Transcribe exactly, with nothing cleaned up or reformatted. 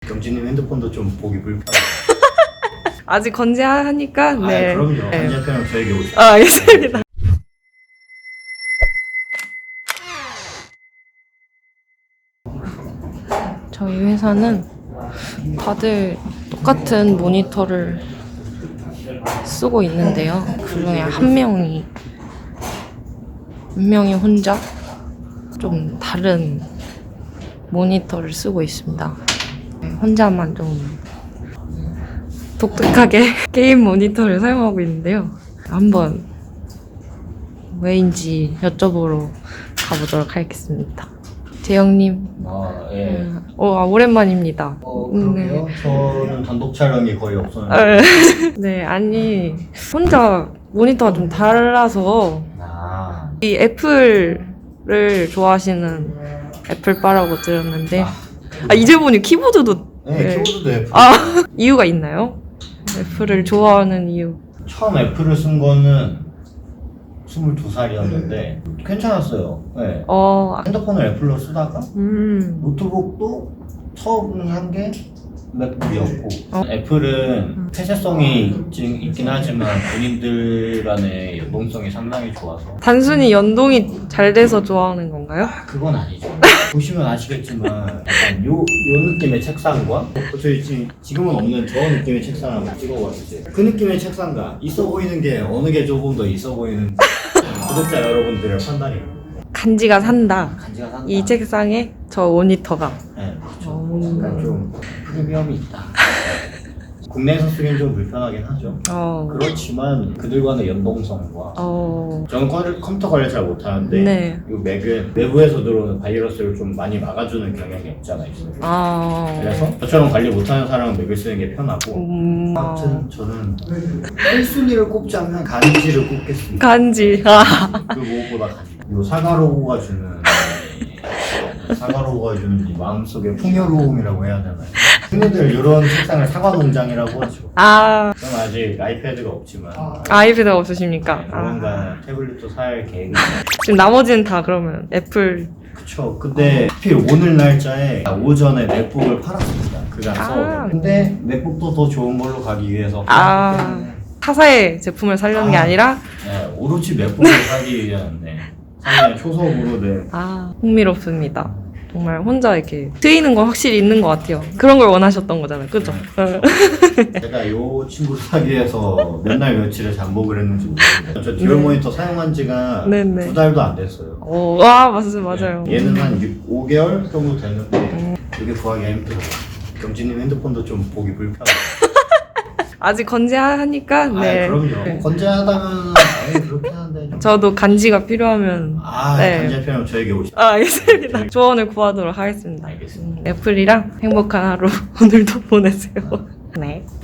경진님 핸드폰도 좀 보기 불편해요. 아직 건재하니까. 네. 아, 그럼요. 네. 간접편은 저에게 오세요. 아, 알겠습니다. 저희 회사는 다들 똑같은 모니터를 쓰고 있는데요. 그중에 한 명이 한 명이 혼자 좀 다른 모니터를 쓰고 있습니다. 혼자만 좀 독특하게 게임 모니터를 사용하고 있는데요. 한번 왜인지 여쭤보러 가보도록 하겠습니다. 재영님. 아, 예. 음, 어, 아, 오랜만입니다. 어, 그러게요. 저는 단독 촬영이 거의 없었는데. 네. 네, 아니 혼자 모니터가 좀 달라서 아, 이 애플을 좋아하시는 애플바라고 들었는데 아, 이제 보니 키보드도 네, 네. 키보드도 애플. 아, 이유가 있나요? 애플을 좋아하는 이유. 처음 애플을 쓴 거는 스물두 살이었는데 괜찮았어요. 네. 어, 핸드폰을 애플로 쓰다가 음, 노트북도 처음 한 게 맥북이었고 어. 애플은 폐쇄성이 있긴, 있긴 하지만 본인들 간의 연동성이 상당히 좋아서 단순히 연동이 잘 돼서 좋아하는 건가요? 그건 아니죠. 보시면 아시겠지만 약간 요, 요 느낌의 책상과 어, 저희 지금, 지금은 없는 저 느낌의 책상을 한번 찍어봐주세요. 그 느낌의 책상과 있어 보이는 게 어느 게 조금 더 있어 보이는 구독자 여러분들의 판단이에요. 간지가 산다. 간지가 산다. 이 책상에 저 모니터가. 네, 그렇죠. 오. 약간 좀 프리미엄이 있다. 국내에서 쓰기엔 좀 불편하긴 하죠. 어, 그렇지만 그들과의 연동성과 어, 저는 컴- 컴퓨터 관리 잘 못하는데 네. 이 맥은 내부에서 들어오는 바이러스를 좀 많이 막아주는 경향이 없지 않아 있어요. 아, 그래서 저처럼 관리 못하는 사람은 맥을 쓰는 게 편하고 음, 아무튼 저는 일 순위를 꼽자면 간지를 꼽겠습니다. 간지. 아, 그 무엇보다 간지. 요 사과로고가 주는 사과로고가 주는 이 마음속의 풍요로움이라고 해야 되나요? 흔히들 이런 책상을 사과 농장이라고 하죠. 아, 저는 아직 아이패드가 없지만 아이패드가 없으십니까? 아, 조만간 태블릿도 살 계획이 지금 나머지는 다 그러면 애플. 그쵸. 근데 하필 오늘 날짜에 오전에 맥북을 팔았습니다. 그간 아. 써오고. 근데 맥북도 더 좋은 걸로 가기 위해서 아, 타사의 제품을 살려는 게 아. 아니라. 네, 오로지 맥북을 사기 위한 네, 상당히 초석으로 네. 아, 흥미롭습니다. 정말 혼자 이렇게 트이는 건 확실히 있는 것 같아요. 그런 걸 원하셨던 거잖아요. 그죠? 제가 이 친구를 사기 위해서 몇 날 며칠을 잠복을 했는지 모르겠어요. 저 듀얼 네. 모니터 사용한 지가 네네. 두 달도 안 됐어요. 오, 와, 맞아요, 맞아요. 네, 얘는 한 육, 오 개월 정도 됐는데 음. 이게 구하기가 힘들어요. 경진님 핸드폰도 좀 보기 불편해요. 아직 건재하니까. 네. 아, 그럼요. 네. 건재하다면 당연히 그렇긴 한데 좀. 저도 간지가 필요하면. 아, 네. 간접편은 저에게 오시죠. 아, 알겠습니다. 조언을 구하도록 하겠습니다. 알겠습니다. 음, 애플이랑 행복한 하루 오늘도 보내세요. 네.